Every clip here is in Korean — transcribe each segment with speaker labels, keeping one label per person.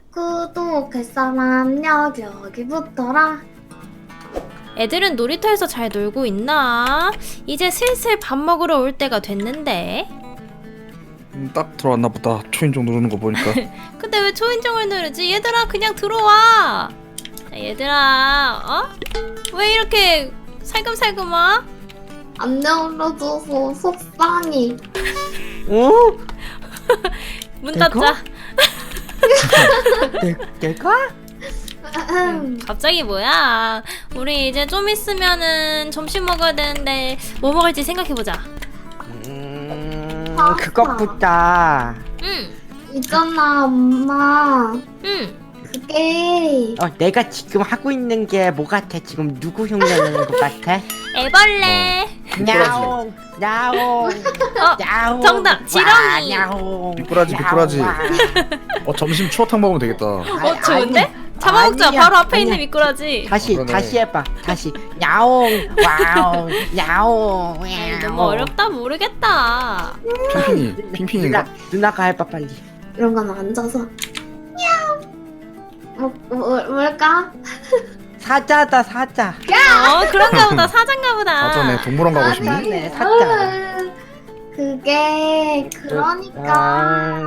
Speaker 1: 구독할 사람 여기부터라.
Speaker 2: 애들은 놀이터에서 잘 놀고 있나? 이제 슬슬 밥 먹으러 올 때가 됐는데.
Speaker 3: 딱 들어왔나 보다. 초인종 누르는 거 보니까.
Speaker 2: 근데 왜 초인종을 누르지? 얘들아 그냥 들어와. 자, 얘들아 왜 이렇게 살금살금 와?
Speaker 1: 안 열어줘서 속상해.
Speaker 4: 어?
Speaker 2: 문
Speaker 4: 내가?
Speaker 2: 닫자.
Speaker 4: 내가?
Speaker 2: 갑자기 뭐야? 우리 이제 좀 있으면은 점심 먹어야 되는데 뭐 먹을지 생각해보자.
Speaker 4: 그것보다
Speaker 2: 응.
Speaker 1: 있잖아 엄마.
Speaker 2: 응.
Speaker 1: 그게
Speaker 4: 내가 지금 하고 있는 게 뭐 같아? 지금 누구 흉내내는 것 같아?
Speaker 2: 애벌레.
Speaker 4: 야옹 야옹 야옹
Speaker 2: 정답, 지렁이.
Speaker 4: 야옹
Speaker 3: 미꾸라지.
Speaker 4: 야옹,
Speaker 3: 점심 추어탕 먹으면 되겠다.
Speaker 2: 좋은데?
Speaker 4: 아니,
Speaker 2: 잡아먹자.
Speaker 4: 아니야,
Speaker 2: 바로 앞에 있는
Speaker 4: 아니야.
Speaker 2: 미꾸라지.
Speaker 3: 그러네.
Speaker 4: 다시 해봐. 다시 야옹 와옹 야옹
Speaker 2: 너무 어렵다 모르겠다.
Speaker 3: 핑핑인가?
Speaker 4: 누나가 해봐 빨리.
Speaker 1: 이런 건 앉아서. 뭘까?
Speaker 4: 사자다 사자.
Speaker 2: 그런가 보다. 사자인가 보다.
Speaker 3: 사전에 동물원 가고 싶니?
Speaker 4: 사자네 사자.
Speaker 1: 그게 그러니까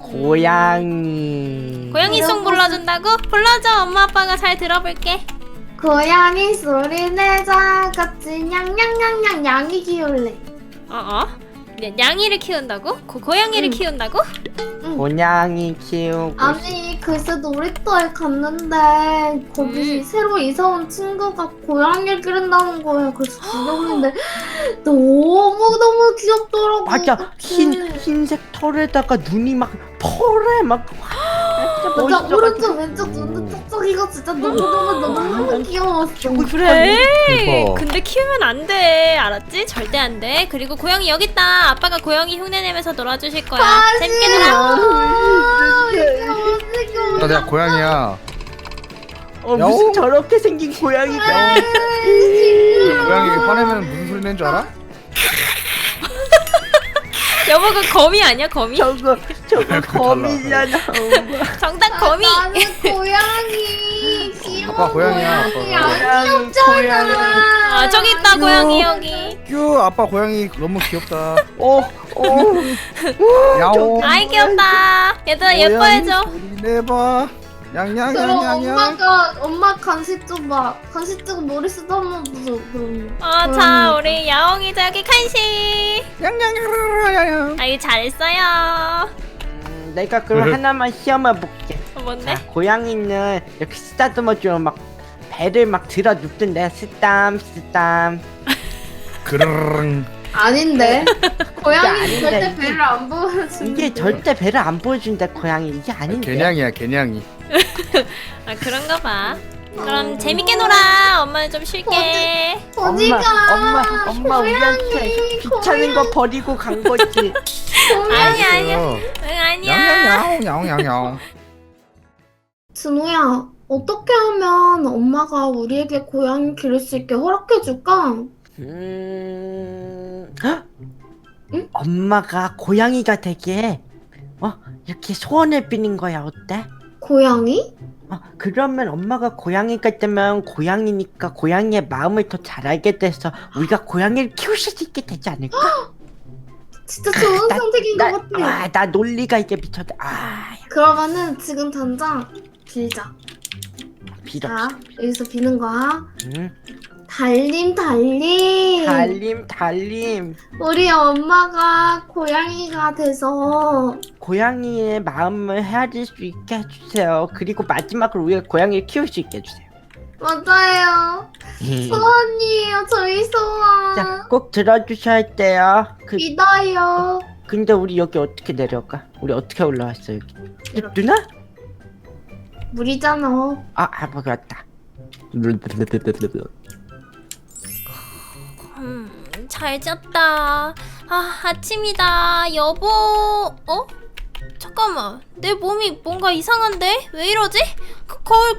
Speaker 4: 고양이.
Speaker 2: 고양이송 불러준다고? 불러줘. 엄마 아빠가 잘 들어볼게.
Speaker 1: 고양이 소리 내자 같이 냥냥냥냥 양이 키울래.
Speaker 2: 양이를 키운다고? 고양이를
Speaker 1: 응.
Speaker 2: 키운다고?
Speaker 4: 고양이 키우고
Speaker 1: 아니 글쎄 놀이터에 갔는데 거기 새로 이사 온 친구가 고양이를 기른다는 거예요. 그래서 귀여운데 너무 귀엽더라고.
Speaker 4: 맞아. 흰색 털에다가 눈이 막 펄에 막 진짜
Speaker 1: 맞아.
Speaker 4: 멋있어가지고.
Speaker 1: 오른쪽 왼쪽 눈도 쩍쩍이가 진짜 너무 귀여웠어.
Speaker 2: 그래.
Speaker 3: 대박.
Speaker 2: 근데 키우면 안 돼. 알았지? 절대 안 돼. 그리고 고양이 여기 있다. 아빠가 고양이 흉내 내면서 놀아주실 거야. 재밌게 놀아.
Speaker 3: 나 내가 고양이야.
Speaker 4: 무슨
Speaker 3: 야옹.
Speaker 4: 저렇게 생긴 고양이가.
Speaker 3: 고양이 화내면 무슨 소리 내는 줄 알아?
Speaker 2: 여보 그 거미 아니야? 거미?
Speaker 4: 저거
Speaker 3: 달라.
Speaker 4: 거미잖아.
Speaker 2: 정답 거미.
Speaker 1: 나는 고양이 귀여워.
Speaker 3: 아빠 고양이야, 아빠.
Speaker 1: 고양이 귀엽잖아.
Speaker 2: 저기 있다 고양이 여기.
Speaker 3: 뀨 아빠 고양이 너무 귀엽다. 야옹.
Speaker 2: 아이 귀엽다. 얘들아 예뻐해줘.
Speaker 3: 소리 내봐.
Speaker 1: 그럼
Speaker 3: 양양양양양.
Speaker 1: 엄마 간식 좀 봐. 간식 주고 머리 쓰다 한번 보자. 그럼.
Speaker 2: 자 우리 야옹이 저기 간식.
Speaker 3: 양양양양양.
Speaker 2: 아이 잘했어요.
Speaker 4: 내가 그럼 하나만 시험해 볼게.
Speaker 2: 뭔데?
Speaker 4: 자, 고양이는 이렇게 쓰다듬어주면 막 배를 막 들어 눕던데 쓰담.
Speaker 3: 그르릉.
Speaker 1: 아닌데. 고양이
Speaker 4: 아닌데,
Speaker 1: 절대
Speaker 4: 이게-
Speaker 1: 배를 안 보여주는.
Speaker 4: 이게 절대 배를 안 보여준다 고양이. 이게 아닌데.
Speaker 3: 개냥이야 개냥이.
Speaker 2: 그런가 봐. 그럼 재밌게 놀아. 엄마는 좀 쉴게.
Speaker 1: 어디가?
Speaker 4: 엄마 우리한테 귀찮은 거 버리고 간 거지.
Speaker 2: 아니야. 응 아니야.
Speaker 3: 양양양.
Speaker 1: 준호야, 어떻게 하면 엄마가 우리에게 고양이 기를 수 있게 허락해줄까?
Speaker 4: 헉?
Speaker 1: 응?
Speaker 4: 엄마가 고양이가 되게 이렇게 소원을 비는 거야. 어때?
Speaker 1: 고양이?
Speaker 4: 그러면 엄마가 고양이가 되면 고양이니까 고양이의 마음을 더 잘 알게 돼서 우리가 고양이를 키울 수 있게 되지 않을까?
Speaker 1: 진짜 좋은 선택인 것 같아.
Speaker 4: 나 논리가 이게 미쳤다.
Speaker 1: 그러면은 지금 당장 빌자.
Speaker 4: 빌어.
Speaker 1: 자, 여기서 비는 거야.
Speaker 4: 응?
Speaker 1: 달림.
Speaker 4: 달림.
Speaker 1: 우리 엄마가 고양이가 돼서
Speaker 4: 고양이의 마음을 헤아릴 수 있게 해주세요. 그리고 마지막으로 우리가 고양이를 키울 수 있게 해주세요.
Speaker 1: 맞아요. 소원이에요, 저희 소원.
Speaker 4: 자, 꼭 들어주셔야 돼요.
Speaker 1: 믿어요.
Speaker 4: 근데 우리 여기 어떻게 내려가? 우리 어떻게 올라왔어 여기? 누나?
Speaker 1: 물이잖아.
Speaker 4: 맞다.
Speaker 2: 잘 잤다. 아침이다. 여보. 잠깐만. 내 몸이 뭔가 이상한데? 왜 이러지? 거울.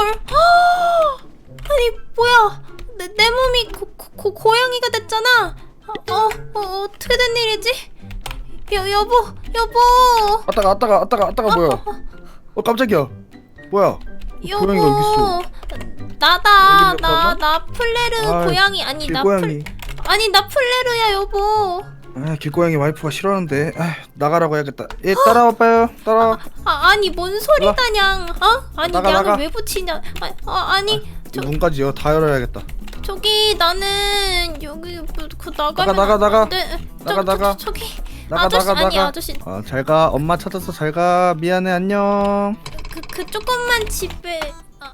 Speaker 2: 아니 뭐야? 내 몸이 고양이가 됐잖아. 어떻게 된 일이지? 여보.
Speaker 3: 아따가 뭐야? 깜짝이야. 뭐야?
Speaker 2: 여보.
Speaker 3: 고양이가 여기 있어.
Speaker 2: 나다.
Speaker 3: 여기 몇
Speaker 2: 나 플레르
Speaker 3: 아이,
Speaker 2: 고양이 아니
Speaker 3: 길고양이.
Speaker 2: 나 플레르야 여보.
Speaker 3: 아, 길고양이 와이프가 싫어하는데. 아, 나가라고 해야겠다. 얘 따라와봐요. 따라와.
Speaker 2: 아니 뭔 소리다냥? 아니
Speaker 3: 나가,
Speaker 2: 양을
Speaker 3: 나가.
Speaker 2: 왜 붙이냐? 아니
Speaker 3: 문까지요. 다 열어야겠다.
Speaker 2: 저기 나는 여기 그 나가면
Speaker 3: 나가.
Speaker 2: 안 돼.
Speaker 3: 나가.
Speaker 2: 저기
Speaker 3: 나가,
Speaker 2: 아저씨
Speaker 3: 나가,
Speaker 2: 아니
Speaker 3: 나가.
Speaker 2: 아저씨
Speaker 3: 잘 가. 엄마 찾아서 잘 가. 미안해. 안녕.
Speaker 2: 그 조금만 집에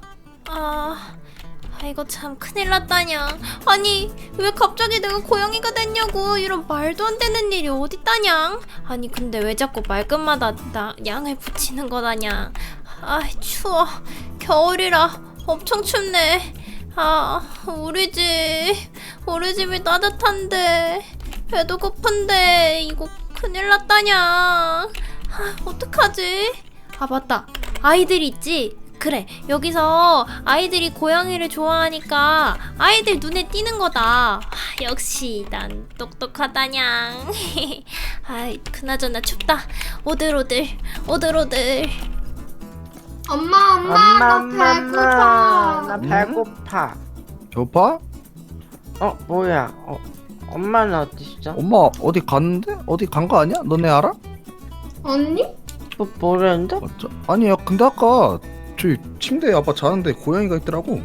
Speaker 2: 이거 참 큰일 났다냥. 아니 왜 갑자기 내가 고양이가 됐냐고. 이런 말도 안 되는 일이 어딨다냥. 아니 근데 왜 자꾸 말끝마다 나 양을 붙이는 거다냥. 추워. 겨울이라 엄청 춥네. 우리 집이 따뜻한데 배도 고픈데 이거 큰일 났다냥. 어떡하지? 맞다. 아이들 있지? 그래, 여기서 아이들이 고양이를 좋아하니까 아이들 눈에 띄는 거다. 역시 난 똑똑하다냥. 그나저나 춥다. 오들오들.
Speaker 1: 엄마 나 배고파.
Speaker 4: 나 배고파.
Speaker 3: 배고파?
Speaker 4: 뭐야? 엄마는 어디 있어?
Speaker 3: 엄마 어디 갔는데? 어디 간 거 아니야? 너네 알아?
Speaker 1: 언니?
Speaker 4: 모르는데?
Speaker 3: 맞죠? 아니야. 근데 아까 저희 침대에 아빠 자는데 고양이가 있더라고.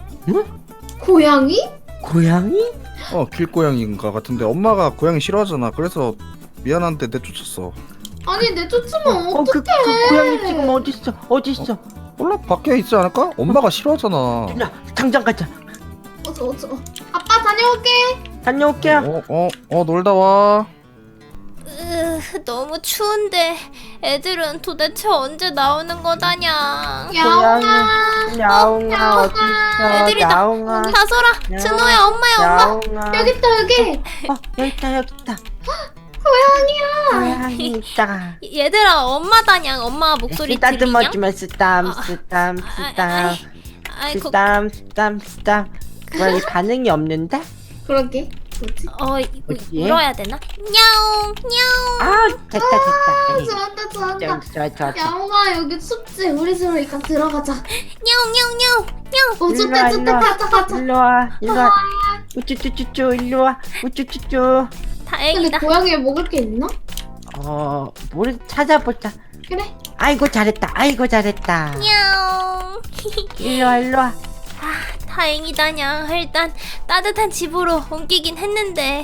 Speaker 1: 고양이?
Speaker 4: 고양이?
Speaker 3: 길고양이인가 같은데 엄마가 고양이 싫어하잖아. 그래서 미안한데 내쫓았어.
Speaker 1: 아니 내쫓으면
Speaker 4: 그
Speaker 1: 어떡해?
Speaker 4: 고양이 지금 어디 있어?
Speaker 3: 몰라, 밖에 있지 않을까? 엄마가 싫어하잖아.
Speaker 4: 누나 당장 가자.
Speaker 1: 어서. 아빠 다녀올게.
Speaker 4: 다녀올게요.
Speaker 3: 놀다 와.
Speaker 2: 너무 추운데 애들은 도대체 언제 나오는 거다냥.
Speaker 1: 야옹아.
Speaker 4: 야옹아 어디 있어?
Speaker 2: 애들이다.
Speaker 4: 야옹아.
Speaker 2: 다솔아, 준호야, 엄마야, 엄마.
Speaker 4: 야옹아.
Speaker 1: 여기 있다 여기.
Speaker 4: 여기 있다.
Speaker 1: 고양이야.
Speaker 4: 고양이 있다.
Speaker 2: 얘들아, 엄마다냥. 엄마 목소리 들리냐?
Speaker 4: 따뜻해지면 쓰담. 왜 반응이 없는데?
Speaker 1: 그러게. 뭐지?
Speaker 4: 뭐지?
Speaker 2: 울어야 되나? 냐옹.
Speaker 4: 됐다.
Speaker 1: 좋았다.
Speaker 4: 좋아.
Speaker 1: 야옹아 여기 춥지? 우리 집으로 일단 들어가자.
Speaker 2: 냐옹.
Speaker 1: 좋대. 가자.
Speaker 4: 일로 와. 우쭈쭈쭈쭈 일로 와. 우쭈쭈쭈.
Speaker 1: 근데
Speaker 2: 다행이다.
Speaker 1: 고양이에 먹을 게 있나?
Speaker 4: 뭘 찾아보자.
Speaker 1: 그래.
Speaker 4: 아이고 잘했다.
Speaker 2: 냐옹.
Speaker 4: 일로 와.
Speaker 2: 다행이다냥. 일단 따뜻한 집으로 옮기긴 했는데.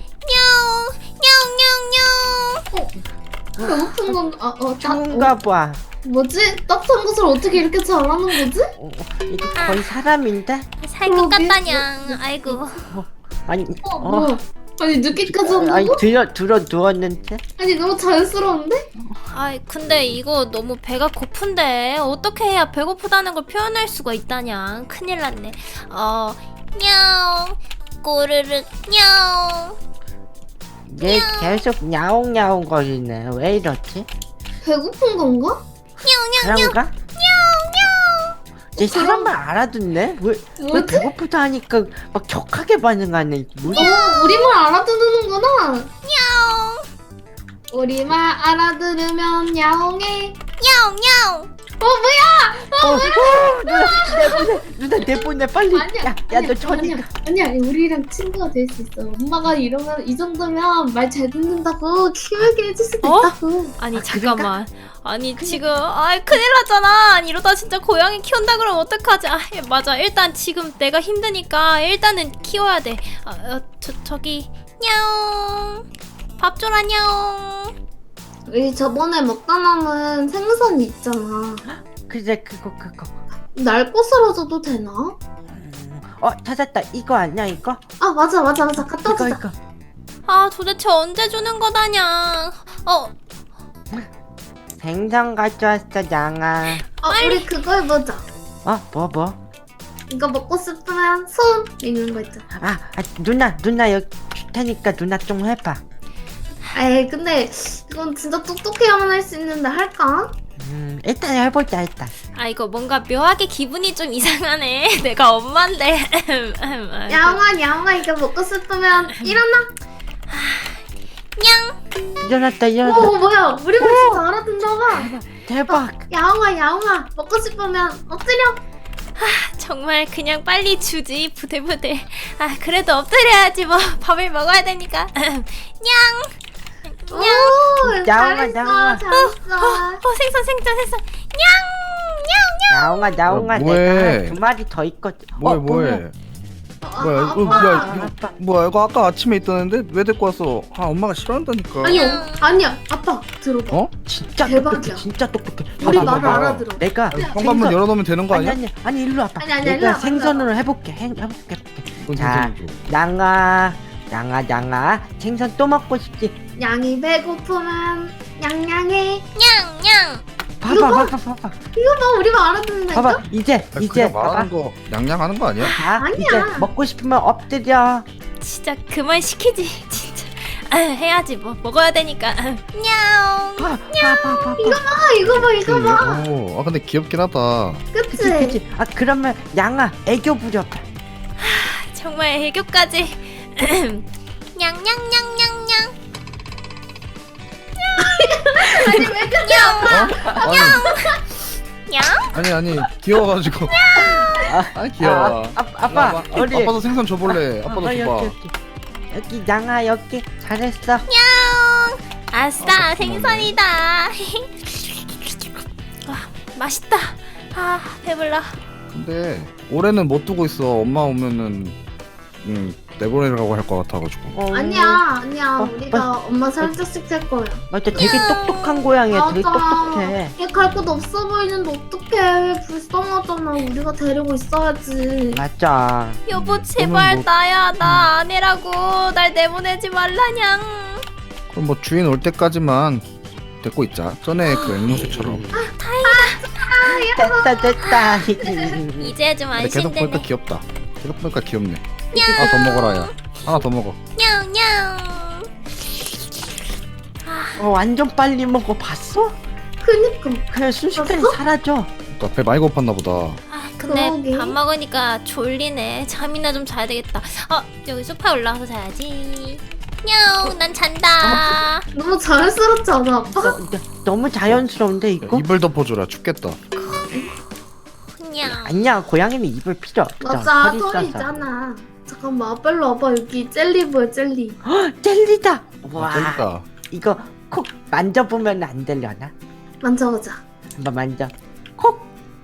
Speaker 2: 냐옹.
Speaker 1: 배고픈 건가?
Speaker 4: 좋은가 봐.
Speaker 1: 뭐지? 따뜻한 것을 어떻게 이렇게 잘하는 거지?
Speaker 4: 이게 거의 사람인데?
Speaker 2: 살 것
Speaker 1: 그러게.
Speaker 2: 같다냥. 아이고.
Speaker 4: 아니,
Speaker 1: 뭐야? 아니 늦게까지
Speaker 4: 아니
Speaker 1: 한다고?
Speaker 4: 들어 누웠는데?
Speaker 1: 아니 너무 자연스러운데?
Speaker 2: 근데 이거 너무 배가 고픈데 어떻게 해야 배고프다는 걸 표현할 수가 있다냥. 큰일 났네. 냐옹. 꼬르륵 냐옹.
Speaker 4: 얘 계속 야옹야옹 거리네. 왜 이러지?
Speaker 1: 배고픈 건가?
Speaker 4: 그런가? 얘 사람만 알아듣네? 왜
Speaker 1: 뭐지?
Speaker 4: 배고프다 하니까 막 격하게 반응하네. 뭐야?
Speaker 1: 우리말 알아듣는구나. 우리말 알아들으면 야옹해.
Speaker 2: 냐옹.
Speaker 4: 누나 내보내 빨리.
Speaker 1: 아니야.
Speaker 4: 야 너 저리 가.
Speaker 1: 아니야. 우리랑 친구가 될 수 있어. 엄마가 이러면 이 정도면 말 잘 듣는다고 키우게 해줄 수도 있다고.
Speaker 2: 아니 잠깐만. 아니 지금 큰일 났잖아. 아니, 이러다 진짜 고양이 키운다 그러면 어떡하지? 맞아. 일단 지금 내가 힘드니까 일단은 키워야 돼. 저기 냐옹. 밥 줘라 냐옹.
Speaker 1: 우리 저번에 먹다 남은 생선 있잖아.
Speaker 4: 그래 그거.
Speaker 1: 날 꽃으로 줘도 되나?
Speaker 4: 찾았다. 이거 아니야 이거?
Speaker 1: 맞아. 갖다 주자.
Speaker 4: 이거.
Speaker 2: 도대체 언제 주는 거다냥.
Speaker 4: 생선 가져왔어 양아.
Speaker 1: 우리 그거 해보자.
Speaker 4: 뭐?
Speaker 1: 이거 먹고 싶으면 손 있는 거 있잖아.
Speaker 4: 누나 여기 줄 테니까 누나 좀 해봐.
Speaker 1: 근데 이건 진짜 똑똑해야만 할 수 있는데 할까?
Speaker 4: 일단 해보자 일단.
Speaker 2: 이거 뭔가 묘하게 기분이 좀 이상하네. 내가 엄마인데.
Speaker 1: 야옹아 이거 먹고 싶으면 일어나.
Speaker 4: 일어났다.
Speaker 1: 뭐야 우리 말 진짜 알아듣나 봐.
Speaker 4: 대박.
Speaker 1: 야옹아 먹고 싶으면 엎드려.
Speaker 2: 정말 그냥 빨리 주지 부들부들. 아 그래도 엎드려야지 뭐 밥을 먹어야 되니까. 냥.
Speaker 1: 오
Speaker 4: 야옹아, 야옹아.
Speaker 1: 잘했어.
Speaker 2: 생선.
Speaker 4: 야옹아
Speaker 3: 뭐해?
Speaker 4: 내가 두 마리 더 있거든.
Speaker 3: 뭐해
Speaker 4: 뭐야.
Speaker 3: 뭐야
Speaker 1: 아빠.
Speaker 3: 뭐야 이거
Speaker 4: 아빠.
Speaker 3: 뭐야 이거 아까 아침에 있다는데 왜 데리고 왔어? 아 엄마가 싫어한다니까.
Speaker 1: 아니야 아빠 들어봐.
Speaker 3: 어?
Speaker 4: 진짜
Speaker 1: 대박이야.
Speaker 4: 똑똑해. 진짜 똑똑해.
Speaker 1: 우리
Speaker 3: 봐봐,
Speaker 1: 말을
Speaker 3: 봐봐.
Speaker 1: 알아들어.
Speaker 4: 내가
Speaker 3: 현관문 열어놓으면 되는 거 아니야?
Speaker 4: 아니 일로 와봐.
Speaker 1: 아니,
Speaker 4: 내가
Speaker 1: 일로 와봐,
Speaker 4: 생선으로 해볼게. 해볼게.
Speaker 3: 뭔
Speaker 4: 자,
Speaker 3: 생선이죠?
Speaker 4: 양아 생선 또 먹고 싶지?
Speaker 1: 양이 배고프면 냥냥해.
Speaker 2: 냥.
Speaker 4: 봐봐
Speaker 1: 이거 봐 우리 말 알아듣는다니까.
Speaker 4: 봐봐 이제
Speaker 3: 아니,
Speaker 4: 이제
Speaker 3: 그냥 말하는
Speaker 4: 봐봐.
Speaker 3: 거 양양하는 거 아니야?
Speaker 4: 자
Speaker 1: 아니야.
Speaker 4: 이제 먹고 싶으면 엎드려.
Speaker 2: 진짜 그만 시키지 진짜. 해야지 뭐 먹어야 되니까. 냥.
Speaker 4: 봐봐.
Speaker 1: 이거 봐.
Speaker 3: 오, 아 근데 귀엽긴 하다.
Speaker 1: 그치?
Speaker 4: 그치. 아 그러면 양아 애교 부려봐.
Speaker 2: 정말 애교까지. 냥냥냥냥냥.
Speaker 1: 아니 왜 그래?
Speaker 3: 어? 아니 귀여워가지고. 아 귀여워.
Speaker 4: 아빠 우리
Speaker 3: 아빠도 생선 줘볼래. 아빠도 줘봐.
Speaker 4: 여기 양아 여기 잘했어.
Speaker 2: 아싸 생선이다. 아, 맛있다. 아 배불러.
Speaker 3: 근데 올해는 못 두고 있어. 엄마 오면은 내보내라고 할 것 같아가지고.
Speaker 1: 아니야
Speaker 4: 어,
Speaker 1: 우리가 엄마 살짝씩 살 거야.
Speaker 4: 맞아 되게 똑똑한 고양이야. 되게
Speaker 1: 맞아.
Speaker 4: 똑똑해.
Speaker 1: 얘 갈 곳 없어 보이는데 어떡해. 불쌍하잖아. 우리가 데리고 있어야지.
Speaker 4: 맞아.
Speaker 2: 여보 제발
Speaker 3: 뭐-
Speaker 2: 나야 나 아니라고 날 내보내지 말라냥.
Speaker 3: 그럼 뭐 주인 올 때까지만 데리고 있자. 전에 그 앵무새처럼.
Speaker 4: 됐다.
Speaker 2: 이제 좀
Speaker 3: 근데 계속 보니까
Speaker 2: 안심되네.
Speaker 3: 귀엽다. 계속 보니까 귀엽네. 하나 더 먹어라 야. 하나 더 먹어.
Speaker 2: 냥냥.
Speaker 4: 완전 빨리 먹어 봤어?
Speaker 1: 그니까.
Speaker 4: 그냥 순식간에
Speaker 1: 봤어?
Speaker 4: 사라져.
Speaker 3: 나 배 많이 고팠나 보다.
Speaker 2: 아 근데
Speaker 1: 그러게.
Speaker 2: 밥 먹으니까 졸리네. 잠이나 좀 자야 되겠다. 여기 소파 올라가서 자야지. 냥, 난 잔다.
Speaker 1: 너무 자연스럽지 않아 아빠?
Speaker 4: 너무 자연스러운데
Speaker 3: 야,
Speaker 4: 이거?
Speaker 3: 이불 덮어주라. 춥겠다.
Speaker 2: 냥.
Speaker 4: 아니야 고양이는 입을 필요 없어.
Speaker 1: 맞아
Speaker 4: 털이
Speaker 1: 털이
Speaker 4: 있어서.
Speaker 1: 있잖아. 잠깐만 아빠 일로 와봐. 여기 젤리 보여 젤리.
Speaker 4: 젤리다. 와
Speaker 3: 재밌다.
Speaker 4: 이거 콕 만져보면 안 되려나?
Speaker 1: 만져보자.
Speaker 4: 한번 만져. 콕.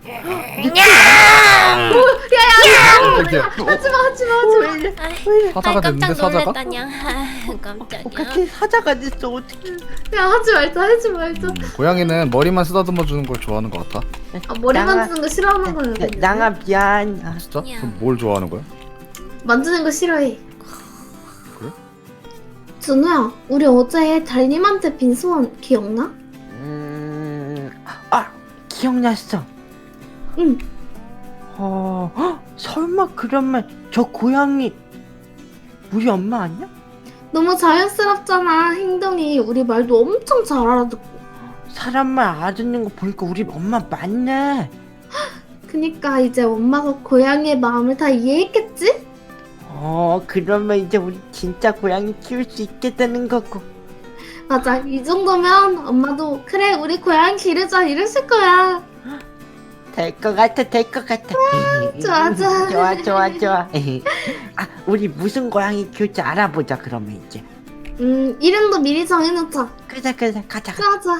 Speaker 3: 깜짝이야.
Speaker 1: 하지마.
Speaker 3: 사자가 됐는데
Speaker 2: 깜짝
Speaker 3: 사자가?
Speaker 2: 놀랐다 냥. 깜짝이야.
Speaker 4: 같이 사자가 됐어 어떡해.
Speaker 1: 야 하지 말자.
Speaker 3: 고양이는 머리만 쓰다듬어 주는 걸 좋아하는 것 같아.
Speaker 1: 아 머리
Speaker 4: 양아-
Speaker 1: 만지는 거 싫어하는 거야. 근데.
Speaker 4: 양아 미안.
Speaker 3: 진짜?
Speaker 2: 야.
Speaker 3: 그럼 뭘 좋아하는 거야?
Speaker 1: 만지는 거 싫어해.
Speaker 3: 그래?
Speaker 1: 준우야, 우리 어제 달님한테 빈 소원 기억나?
Speaker 4: 아 기억났어.
Speaker 1: 응.
Speaker 4: 설마 그러면 저 고양이 우리 엄마 아니야?
Speaker 1: 너무 자연스럽잖아. 행동이 우리 말도 엄청 잘 알아듣고.
Speaker 4: 사람 말 알아듣는 거 보니까 우리 엄마 맞네.
Speaker 1: 그니까 이제 엄마가 고양이의 마음을 다 이해했겠지?
Speaker 4: 그러면 이제 우리 진짜 고양이 키울 수 있게 되는 거고.
Speaker 1: 맞아. 이 정도면 엄마도 그래 우리 고양이 기르자 이랬을 거야.
Speaker 4: 될 것 같아.
Speaker 1: 좋아.
Speaker 4: 좋아. 아, 우리 무슨 고양이 키울지 알아보자. 그러면 이제.
Speaker 1: 이름도 미리 정해놓자.
Speaker 4: 그래, 가자.
Speaker 1: 그러자.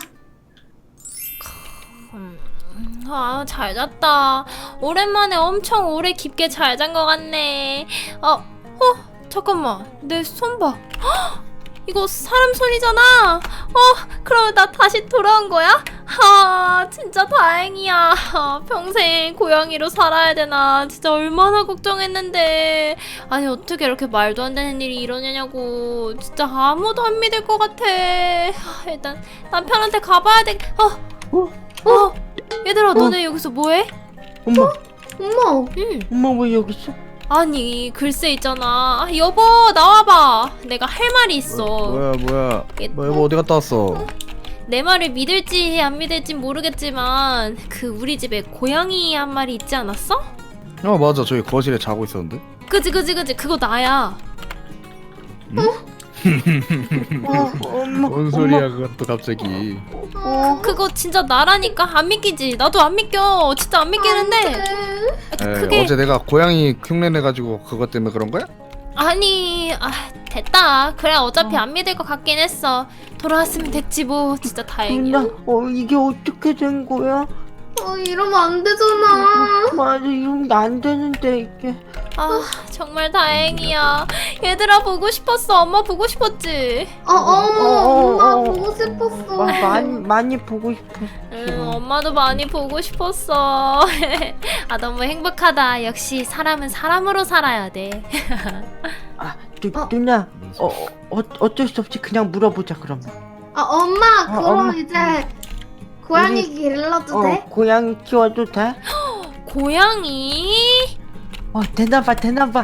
Speaker 2: 잘 잤다. 오랜만에 엄청 오래 깊게 잘 잔 것 같네. 잠깐만. 내 손 봐. 헉! 이거 사람 손이잖아. 그럼 나 다시 돌아온 거야? 진짜 다행이야. 평생 고양이로 살아야 되나. 진짜 얼마나 걱정했는데. 아니, 어떻게 이렇게 말도 안 되는 일이 일어나냐고. 진짜 아무도 안 믿을 것 같아. 일단 남편한테 가봐야 돼. 얘들아, 너네 여기서 뭐해?
Speaker 4: 엄마,
Speaker 2: 응.
Speaker 4: 엄마 왜 여기 있어?
Speaker 2: 아니, 글쎄 있잖아. 여보, 나와봐. 내가 할 말이 있어.
Speaker 3: 뭐야?
Speaker 2: 얘-
Speaker 3: 뭐 여보 어디 갔다 왔어?
Speaker 2: 내 말을 믿을지 안 믿을지 모르겠지만 그 우리 집에 고양이 한 마리 있지 않았어?
Speaker 3: 맞아. 저기 거실에 자고 있었는데.
Speaker 2: 그지 그거 나야.
Speaker 4: 엄마.
Speaker 3: 뭔 소리야 그것도 갑자기.
Speaker 2: 그거 진짜 나라니까 안 믿기지. 나도 안 믿겨. 진짜 안 믿기는데. 그게
Speaker 3: 어제 내가 고양이 흉내 내가지고 그것 때문에 그런 거야?
Speaker 2: 아니 됐다. 그래 어차피 안 믿을 것 같긴 했어. 돌아왔으면 됐지 뭐. 진짜 다행이야.
Speaker 4: 누나, 이게 어떻게 된 거야?
Speaker 1: 이러면 안 되잖아.
Speaker 4: 맞아, 이러면 안 되는데 이게.
Speaker 2: 아 정말 다행이야. 얘들아 보고 싶었어. 엄마 보고 싶었지.
Speaker 1: 엄마 보고 싶었어.
Speaker 4: 많이 보고 싶었어.
Speaker 2: 응, 엄마도 많이 보고 싶었어. 아 너무 행복하다. 역시 사람은 사람으로 살아야 돼.
Speaker 4: 누나, 어쩔 수 없이 그냥 물어보자 그러면.
Speaker 1: 엄마 그럼
Speaker 4: 엄마.
Speaker 1: 이제 고양이
Speaker 4: 우리-
Speaker 1: 길러도 돼?
Speaker 4: 고양이 키워도 돼?
Speaker 2: 고양이?
Speaker 4: 되나봐.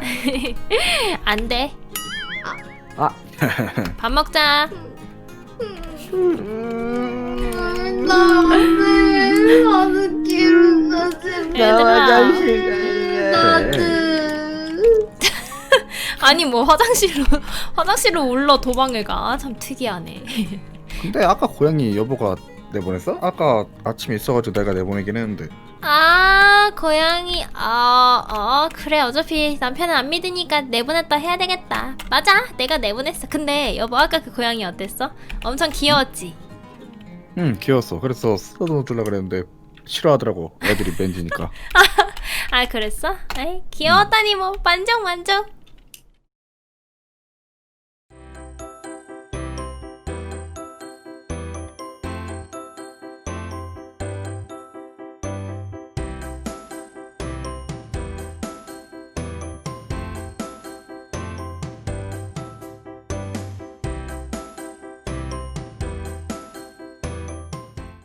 Speaker 2: 안 돼.
Speaker 4: 아.
Speaker 2: 밥 먹자.
Speaker 1: 나는 나는 기르고 싶어.
Speaker 2: 얘들아.
Speaker 1: 나는.
Speaker 2: 아니 뭐 화장실로 울러 도망을 가. 참 특이하네.
Speaker 3: 근데 아까 고양이 여보가 내보냈어? 아까 아침에 있어가지고 내가 내보내긴 했는데.
Speaker 2: 아 고양이 그래 어차피 남편은 안 믿으니까 내보냈다 해야 되겠다. 맞아 내가 내보냈어. 근데 여보 아까 그 고양이 어땠어? 엄청 귀여웠지?
Speaker 3: 응 귀여웠어. 그래서 써도 주려고 그랬는데 싫어하더라고. 애들이 맨지니까.
Speaker 2: 아 그랬어? 에이 귀여웠다니 뭐 만족